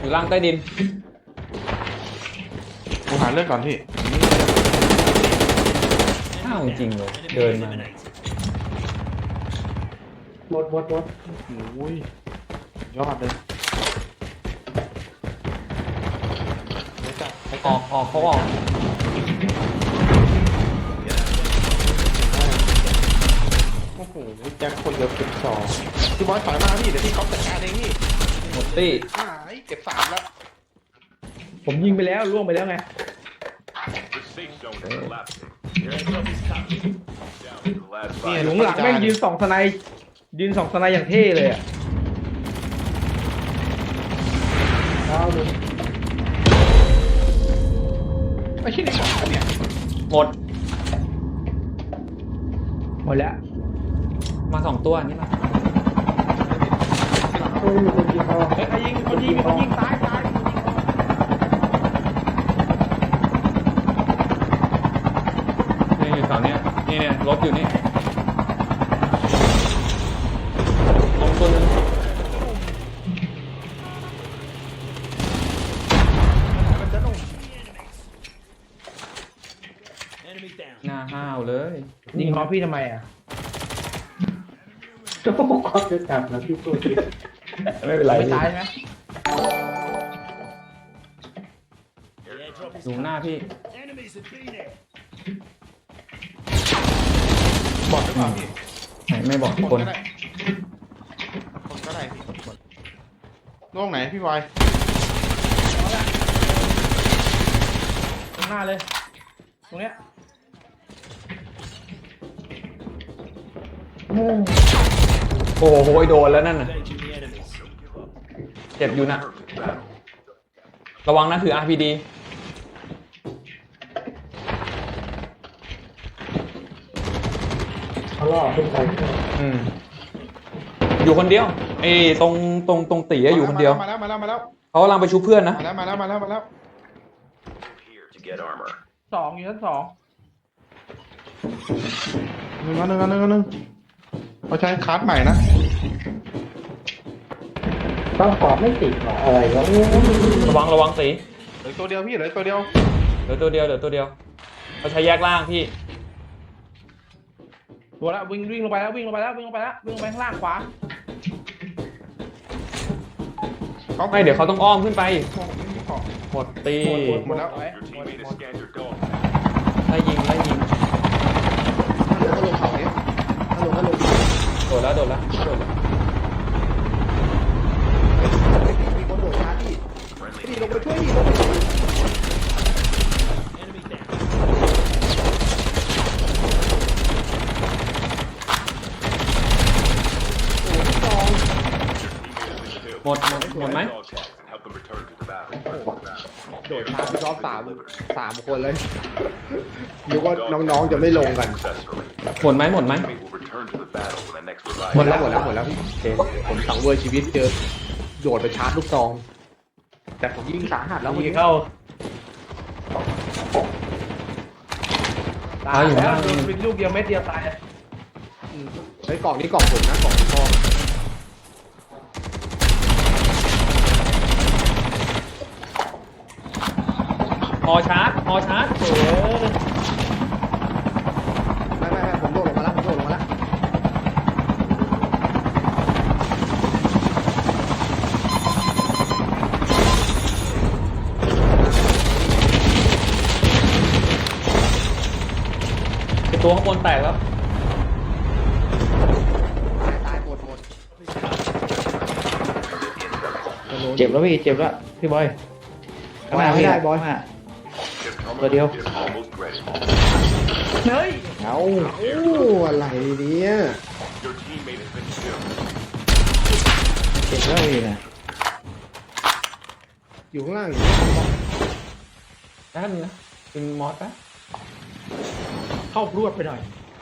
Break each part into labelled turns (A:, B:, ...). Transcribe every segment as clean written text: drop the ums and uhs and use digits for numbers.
A: อยู่ล่างใต้ดิน
B: กูหาเรื่องก่อนพี่
A: อ้าวจริงเลยเดินมา
C: หมด
B: โอ้ยยอดเลย
A: ออกเขาออก
B: โอ้โหแจ็คคนเดียว12พี่บอยถอยมาพี่เดี๋ยวพี่ก๊อฟจัดการเองพี่
A: หมดตี้
B: เก็บ3แล้ว
C: ผมยิงไปแล้วล่วงไปแล้วไง
B: นี่
C: หลงหลังแม่งยืน2 สไนด์อย่างเท่เลยอ่ะ
B: ไม่ใช่ในหมอเนี่ย
A: หมด
C: หมดแล้ว
A: มา2 ตัวนี่มา
C: เฮ้ยใครยิงมีคนยิงตาย
A: นี่อยู่แถวเนี้ยนี่เนี่ยรถอยู่นี่ลงตัวนึงหน้าห้าวเลย
C: ยิงฮอพี่ทำไมอ่ะ
D: ก็บอกว่าจะจับนะพี่ตัว
C: ไม่เป็นไรไม่ตายนะ
A: อยู่หน้าพี่
B: บอดหรือเปล่าพี่
A: ไม่บอก
B: คน
A: คน
B: ก็ได้คนก็ได้พี่ล่วงไหนพี่บอย
C: ตรงหน้าเลยตรงเนี้ย
A: โอ้โหโดนแล้วนั่นน่ะเจ็บอยู่นะระวังนะถือ RPD
D: เขาล่อขึ้นไป
A: อยู่คนเดียวไอ้ตรงตีอะอยู่คนเดียว
B: มาแล้ว
A: เขากำลังไปชุบเพื่อนนะ
B: มาแล้ว
C: 2อยู่ชั้น 2
B: หนึ่งเขาใช้คัสใหม่นะ
D: ต้องขอไม่ติดหรออะไรวะ
A: ระวังตี
B: เหลือตัวเดียวพี่เหลือตัวเดียว
A: เหลือตัวเดียวเขาใช้แยกล่างพี่
C: ตัวละวิ่งลงไปแล้ววิ่งลงไปข้างล่างขวา
A: ไม่เดี๋ยวเขาต้องอ้อมขึ้นไปหมดตี
B: หมดแล้ว
A: ไล่ยิง
B: ลงเขาเนี่ย
A: โดดแล้ว
B: มีคนโดดช้าพี่ลงไปช่วยดิ
A: หมดไหม
E: โดดช้าพี่รอบสามคนเลยนึกว่าน้องๆจะไม่ลงกัน
A: หมดไหม
E: หมดแล้วพี่ผมสังเวยชีวิตเจอโดดไปชาร์จลูกซองแต่ผมยิงสาหัสแล้ว
C: ยิงเข้าตายแล้วโดนเป็นลูกเดียวเม็ดเดียวตาย
E: ใช้กล่องนี้กล่องผมนะกล่องทอง
A: ฮอชาร์จ
E: ไม่ผมโดดลงมาแล้ว
A: ไอ้ตัวข้างบนแตกแล้ว
E: ตายหมด
C: เจ็บแล้วพี่บอย
E: ไม่ได้บอย
C: ตัวเดียวเฮ้ย
E: เอาอะไรเนี่ย
C: เจ็บแล้วอีกนะ
E: อยู่ข้างล่าง
A: ได้นึงนะเป็นมอสนะ
C: เข้ารวดไปหน่อย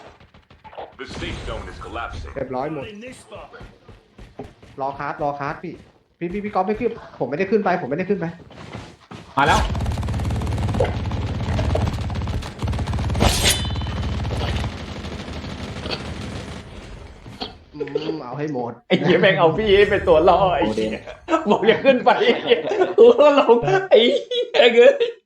E: เรียบร้อยหมดรอคาร์ดพี่ก๊อฟไม่ขึ้นผมไม่ได้ขึ้นไป
A: มาแล้ว
E: เอาให้ให้หมด
A: ไอ้เหี้ยแม่งเอาพี่เป็นตัวล่อไอ้เหี้ยบอกอย่าขึ้นไปไอ้เหี้ยกูก็ลงไอ้เหี้ยเอ้ย